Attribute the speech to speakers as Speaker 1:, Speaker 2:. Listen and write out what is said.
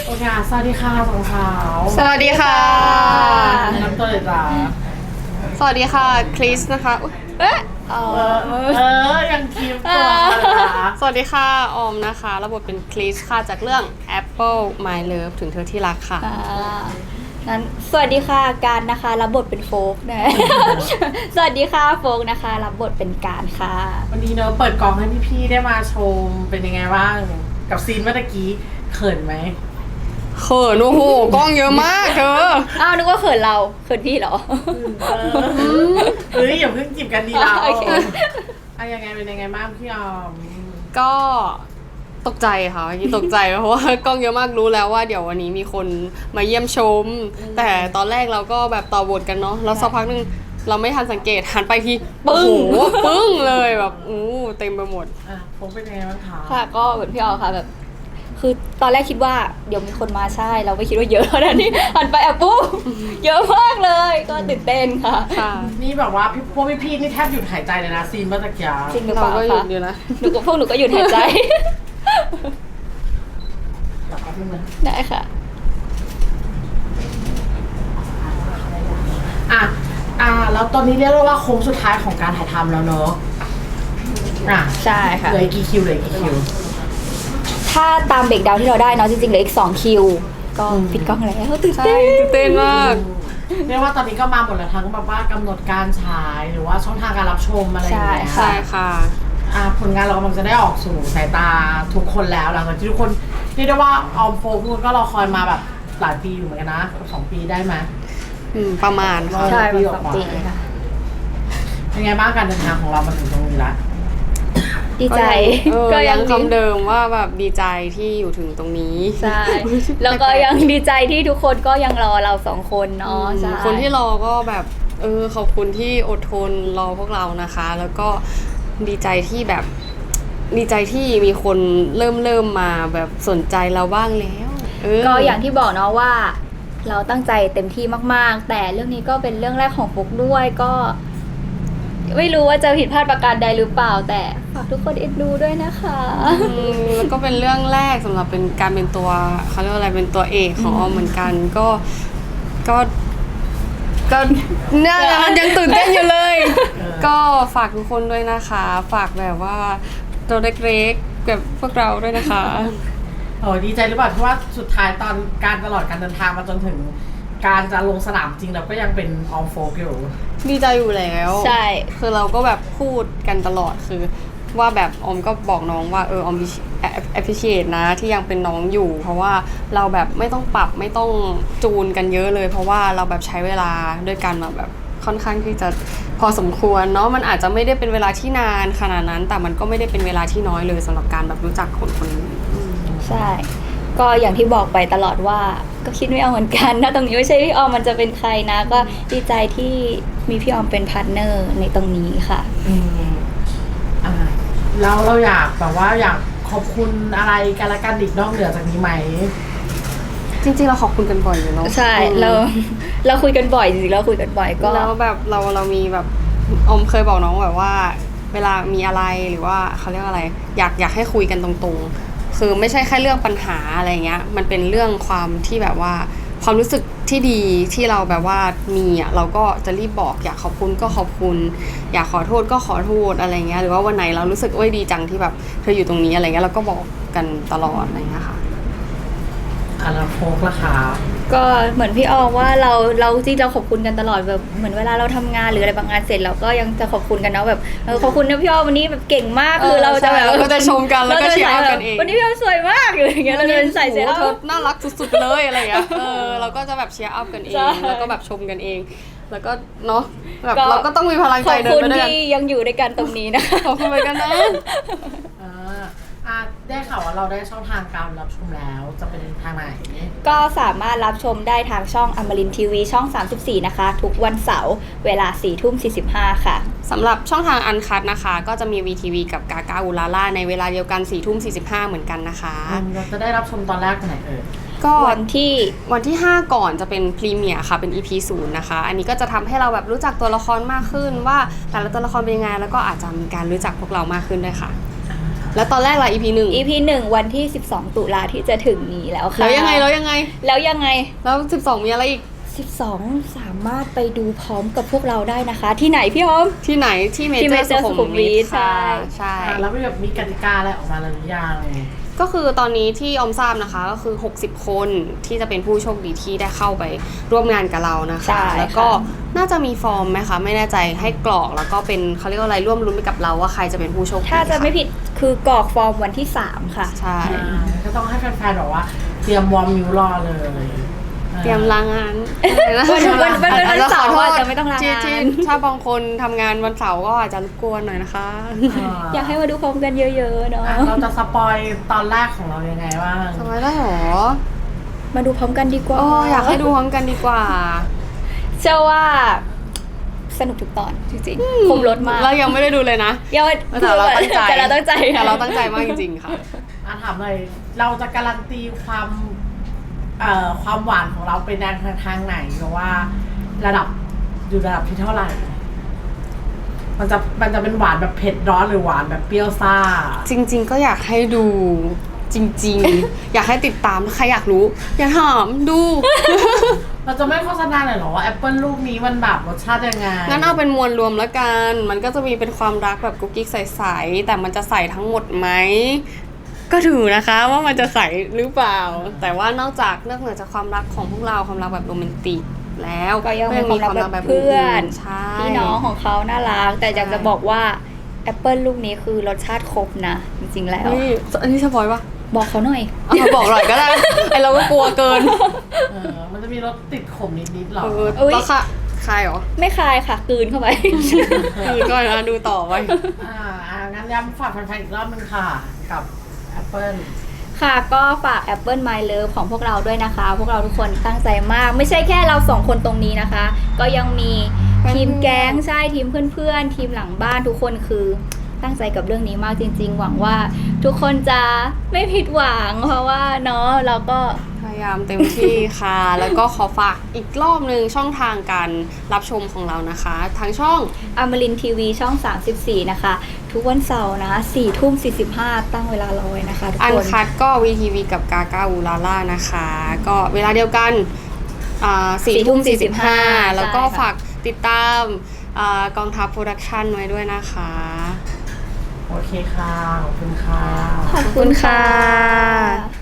Speaker 1: โอเคสวัสดีค่ะสองสาว
Speaker 2: สวัสดีค่ะ
Speaker 1: น้ำตัวเลยจ้า
Speaker 2: สวัสดีค่ะคริสนะคะอุ๊ย
Speaker 1: ยังคีบตัวนะคะ
Speaker 2: สวัสดีค่ะออมนะคะรับบทเป็นคริสค่ะจากเรื่อง Apple My Love ถึงเธอที่รักค่ะ
Speaker 3: งั้นสวัสดีค่ะการนะคะรับบทเป็นโฟกนะ สวัสดีค่ะโฟกนะคะรับบทเป็นการค่ะ
Speaker 1: วันนี้เนอะเปิดกล่องให้พี่ๆได้มาชมเป็นยังไงบ้างกับซีนเมื่อกี้เขินไหม
Speaker 2: เขินโอ้โหกล้องเยอะมากเธอ
Speaker 3: อ้าวนึกว่าเขินเราเขินพี่เหรอ
Speaker 1: อย่าเพิ่งจีบกันดีเรา
Speaker 3: โอเค
Speaker 1: ยังไงเป็นยังไงบ้างพี่ออม
Speaker 2: ก็ตกใจค่ะเมื่อกี้ตกใจเพราะว่ากล้องเยอะมากรู้แล้วว่าเดี๋ยววันนี้มีคนมาเยี่ยมชม แต่ตอนแรกเราก็แบบต่อบทกันเนาะแล้วสักพักนึงเราไม่ทันสังเกตหันไปทีปึ้งปึ้งเลยแบบเต็มไปหมด
Speaker 1: ผมเป็นยังไงบ้างคะ
Speaker 3: ค่ะก็เหมือนพี่ออค่ะแบบ คือตอนแรกคิดว่าเดี๋ยวมีคนมาใช่เราไม่คิดว่าเยอะเท่านั้นนี่หันไปปุ๊บเยอะมากเลยก็ตื่นเต้นค่ะ
Speaker 2: ค่ะ
Speaker 1: นี่แบบว่าพวกพี่ๆนี่แทบหยุดหายใจเลยนะซีนเมื่อกี้
Speaker 3: จริงหรือเป
Speaker 2: เรา
Speaker 3: ล่า
Speaker 2: ก็หยุ
Speaker 3: คะ
Speaker 2: ดอยู่นะ
Speaker 3: พวกหนูก็หยุดหายใจ
Speaker 1: แบบนึงนะ
Speaker 3: ได้ค่ะ
Speaker 1: แล้วตอนนี้เรียกได้ว่าโค้งสุดท้ายของการถ่ายทำแล้วเนอะ
Speaker 3: ใช่ค่ะ
Speaker 1: เหลือกี่คิวเหลือกี่คิว
Speaker 3: ถ้าตามเบรกดาวน์ที่เราได้เนาะจริงๆเหลืออีก2คิวก็ปิดกล้องแล้วตื่น
Speaker 2: ใช่
Speaker 3: เต้น
Speaker 2: ตื่นเต้นมาก
Speaker 1: เรียกว่าตอนนี้ก็มาหมดแล้วทั้งแบบว่ากำหนดการฉายหรือว่าช่องทางการรับชมอะไรอย่างเงี้ย
Speaker 2: ใช่ค่ะ
Speaker 1: ผลงานเรากำลังจะได้ออกสู่สายตาทุกคนแล้วหลังจากที่ทุกคนเรียกได้ว่าออมโฟกทุกคนก็รอคอยมาแบบหลายปีอยู่เหมือนกันนะ2 ปีได้ไหม
Speaker 2: ประมาณค่ะ
Speaker 3: ใช่ประมาณ2 ปีค่ะ
Speaker 1: เป็นไงบ้างการเดินทางของเรามาถึงตรงนี้ละ
Speaker 3: ดีใจ
Speaker 2: ก็ยังคำเดิมว่าแบบดีใจที่อยู่ถึงตรงนี้
Speaker 3: ใช่แล้วก็ยังดีใจที่ทุกคนก็ยังรอเรา2 คนเนาะใช่
Speaker 2: คนที่รอก็แบบขอบคุณที่อดทนรอพวกเรานะคะ แล้วก็ดีใจที่แบบดีใจที่มีคนเริ่มมาแบบสนใจเราบ้างแล้ว
Speaker 3: ก็อย่างที่บอกเนาะว่า เราตั้งใจเต็มที่มากๆ แต่เรื่องนี้ก็เป็นเรื่องแรกของฟุกด้วยก็ ไม่รู้ว่าจะผิดพลาดประการใดหรือเปล่า แต่ฝากทุกคนเอ็นดูด้วยนะคะ
Speaker 2: แล้วก็เป็นเรื่องแรกสำหรับเป็นการเป็นตัวเขาเรียกว่าอะไรเป็นตัวเอกของออมเหมือนกันก็เนี่ยยังตื่นเต้นอยู่เลย ก็ฝากทุกคนด้วยนะคะ ฝากแบบว่าตัวเล็กๆแบบพวกเราด้วยนะคะ
Speaker 1: ดีใจหรือเปล่าที่ว่าสุดท้ายตอนการตลอดการเดินทางมาจนถึงการจะลงสนามจริงเราก็ยังเป็นออมโฟกอยู่
Speaker 2: ดีใจอยู่แล้ว
Speaker 3: ใช่
Speaker 2: คือเราก็แบบพูดกันตลอดคือว่าแบบออมก็บอกน้องว่าออมappreciate นะที่ยังเป็นน้องอยู่ เพราะว่าเราแบบไม่ต้องปรับไม่ต้องจูนกันเยอะเลย เพราะว่าเราแบบใช้เวลาด้วยกันมาแบบค่อนข้างที่จะพอสมควรเนาะมันอาจจะไม่ได้เป็นเวลาที่นานขนาดนั้น แต่มันก็ไม่ได้เป็นเวลาที่น้อยเลยสำหรับการแบบรู้จักคนคนนี้
Speaker 3: ใช่ ก็อย่างที่บอกไปตลอดว่าก็คิดไม่เอาเหมือนกันถ้าตรงนี้ไม่ใช่พี่ออมมันจะเป็นใครนะ ก็ดีใจที่มีพี่ออมเป็นพาร์ทเนอร์ในตรงนี้ค่ะ
Speaker 1: แล้วเราอยากแบบว่าอยากขอบคุณอะไรกันละกันอีกนอกเหนือจากนี้ไหม
Speaker 2: จริงๆเราขอบคุณกันบ่อยอยู่เนาะ
Speaker 3: ใช่เราคุยกันบ่อยจริงๆเราคุยกันบ่อยก็
Speaker 2: แล้วแบบเรามีแบบอมเคยบอกน้องแบบว่า เวลามีอะไรหรือว่าเขาเรียกว่าอะไรอยากให้คุยกันตรงๆคือไม่ใช่แค่เรื่องปัญหาอะไรเงี้ยมันเป็นเรื่องความที่แบบว่าความรู้สึกที่ดีที่เราแบบว่ามีเราก็จะรีบบอกอยากขอบคุณก็ขอบคุณอยากขอโทษก็ขอโทษอะไรเงี้ยหรือว่าวันไหนเรารู้สึกดีจังที่แบบเธออยู่ตรงนี้อะไรเงี้ยเราก็บอกกันตลอดอะไรเงี้ยค่ะ
Speaker 1: แล้วโฟกล่ะคะ
Speaker 3: ก็เหมือนพี่ออมว่าเราจริงเราขอบคุณกันตลอดแบบเหมือนเวลาเราทำงานหรืออะไรบางงานเสร็จเราก็ยังจะขอบคุณกันเนาะแบบขอบคุณนะพี่ออมวันนี้แบบเก่งมากคือเราจะแบบ
Speaker 2: เราก็จะชมกันแล้วก็เชียร์กันเอง
Speaker 3: วันนี้พี่ออมสวยมากอย่างเงี้ยเราจะใส่เสื้อ
Speaker 2: เธอน่ารักสุดๆเลยอะไรเงี้ยเราก็จะแบบเชียร์อัพกันเอง
Speaker 3: ใช่
Speaker 2: แล้วก็แบบชมกันเอง แล้วก็เนาะแบบเราก็ต้องมีพลังใจเดินไปด้วยกัน
Speaker 3: ขอบคุณที่ยังอยู่ด้วยกันตรงนี้นะคะ
Speaker 2: ขอบคุณเหมือนกันนะ
Speaker 1: ได้ข่าวว่าเราได้ช่องทางการรับชมแล้วจะเป็นทางไหน
Speaker 3: ก็สามารถรับชมได้ทางช่องอมรินทีวีช่อง 34 นะคะ ทุกวันเสาร์เวลา 4:45 ค่ะ
Speaker 2: สำหรับช่องทางอันคัทนะคะ ก็จะมี VTV กับกากาอุลาล่าในเวลาเดียวกัน 4:45 เหมือนกันนะคะ
Speaker 1: เราจะได้รับชมตอนแรกวันไหน
Speaker 2: ก็
Speaker 3: วันที่
Speaker 2: 5 ก่อนจะเป็นพรีเมียร์ค่ะเป็น EP 0นะคะ อันนี้ก็จะทำให้เราแบบรู้จักตัวละครมากขึ้นว่าแต่ละตัวละครเป็นยังไงแล้วก็อาจจะมีการรู้จักพวกเรามากขึ้นด้วยค่ะแล้วตอนแรกล่ะ EP 1
Speaker 3: EP 1 วันที่ 12 ตุลาที่จะถึงนี้แล้วค่ะ
Speaker 2: แล้วยังไง
Speaker 3: แล้วยังไง
Speaker 2: แล้ว12มีอะไรอีก
Speaker 3: 12 สามารถไปดูพร้อมกับพวกเราได้นะคะ ที่ไหนพี่ออม
Speaker 2: ที่ไหนที่เม
Speaker 3: ที่
Speaker 2: เจอ
Speaker 3: Major
Speaker 2: ร์สุขุมวิท
Speaker 3: ใช่
Speaker 2: ค่ะใช่
Speaker 1: แล้วมีแบบมีกติกาอะไรออกมาแล้วหรือยัง
Speaker 2: ก็คือตอนนี้ที่ออมทราบนะคะก็คือ60คนที่จะเป็นผู้โชคดีที่ได้เข้าไปร่วมงานกับเรานะ
Speaker 3: ใช่
Speaker 2: คะ
Speaker 3: ค่ะ
Speaker 2: แล้วก็น่าจะมีฟอร์มไหมคะไม่แน่ใจให้กรอกแล้วก็เป็นเขาเรียกว่าอะไรร่วมรุ้นไปกับเราว่าใครจะเป็นผู้โชคดี
Speaker 3: ถ้าจะไม่
Speaker 2: ค่
Speaker 3: ผิดคือกรอกฟอร์มวันที่ 3 ค่ะ
Speaker 2: ใช่
Speaker 1: ก็ต้องให้แฟนๆแบบว่าเตรียมวอร์มนิ้วรอเลย
Speaker 2: เตรียมลางาน
Speaker 3: วันเสาร์
Speaker 2: ขอ
Speaker 3: อาจ
Speaker 2: โทษ
Speaker 3: จะไม่ต้องลางาน
Speaker 2: ที่ถ้าบางคนทำงานวันเสาร์ก็อาจจะรบกวนหน่อยนะคะ
Speaker 3: อยากให้มาดูพร้อมกันเยอะๆเนาะ
Speaker 1: เราจะสปอยตอนแรกของเรายังไงบ้าง
Speaker 2: ทำไมได้หรอ
Speaker 3: มาดูพร้อมกันดีกว่า
Speaker 2: โอ้อยากให้ดูพร้อมกันดีกว่า
Speaker 3: เชื่อว่าสนุกทุกตอนจริงๆคมรถมาก
Speaker 2: เรายังไม่ได้ดูเลยนะ
Speaker 3: ยัง
Speaker 2: แต่เราตั้งใจ
Speaker 3: แต่เราตั้งใจ
Speaker 2: แต่เราตั้งใจมากจริงๆค่ะ
Speaker 1: ถามเลยเราจะการันตีความหวานของเราเป็นทางไหนหรือว่าระดับอยู่ระดับที่เท่าไหร่ มันจะเป็นหวานแบบเผ็ดร้อนหรือหวานแบบเปรี้ยวซ่า
Speaker 2: จริงๆก็อยากให้ดูจริงๆ อยากให้ติดตามถ้าใครอยากรู้ อย่าถามดู
Speaker 1: เราจะไม่โฆษณาเลยเหรอว่าแอปเปิลลูกนี้มันแบบรสชาติยังไง
Speaker 2: งั้นเอาเป็นมวลรวมแล้วกัน มันก็จะมีเป็นความรักแบบกุ๊กกิ๊กใสๆแต่มันจะใสทั้งหมดไหมก็ถือนะคะว่ามันจะใสหรือเปล่า แต่ว่านอกเหนือจากความรักของพวกเราความรักแบบโรแมนติกแล้ว
Speaker 3: ก็ยังมีความรักแบบเพื่อน
Speaker 2: ใช่
Speaker 3: พี่น้องของเขาน่ารัก แต่อยากจะบอกว่าแอปเปิลลูกนี้คือรสชาติครบนะ จริงๆแล้ว
Speaker 2: เฮ้ยอันนี้สปอยปะ
Speaker 3: บอกเขาหน่อย
Speaker 2: เอาบอกหน่อยก็ได้ ไอเราก็กลัวเกิน
Speaker 1: มันจะมีรสติดขมนิดๆหรอ
Speaker 3: อุ๊ย
Speaker 2: แล้วค่ะใครเหรอ
Speaker 3: ไม่คายค่ะกลืนเข้าไป
Speaker 2: คือก็นะดูต่อไป
Speaker 1: งั้นย้ำฝากแฟนๆอีกรอบนึงค่ะ กับแอปเปิล
Speaker 3: ค่ะก็ฝาก Apple My Love ของพวกเราด้วยนะคะ พวกเราทุกคนตั้งใจมาก ไม่ใช่แค่เราสองคนตรงนี้นะคะ ก็ยังมีทีมแก๊งใช่ทีมเพื่อนๆ ทีมหลังบ้านทุกคนคือตั้งใจกับเรื่องนี้มากจริงๆ หวังว่าทุกคนจะไม่ผิดหวัง เพราะว่าเนาะเราก็
Speaker 2: พยายามเต็มที่ค่ะ แล้วก็ขอฝากอีกรอบหนึ่งช่องทางการรับชมของเรานะคะ ทางช่อง
Speaker 3: อมรินทีวีช่อง 34 นะคะ ทุกวันเสาร์นะ4:45 ตั้งเวลารอไว้นะคะทุก
Speaker 2: อัน
Speaker 3: คน
Speaker 2: คัดก็ VTV กับกากาอูลาล่านะคะ ก็เวลาเดียวกัน4:45 แล้วก็ฝากติดตามกองทัพโปรดักชันไว้ด้วยนะคะ
Speaker 1: โอเคค่ะ ขอบคุณค่ะ
Speaker 3: ขอบคุณค่ะ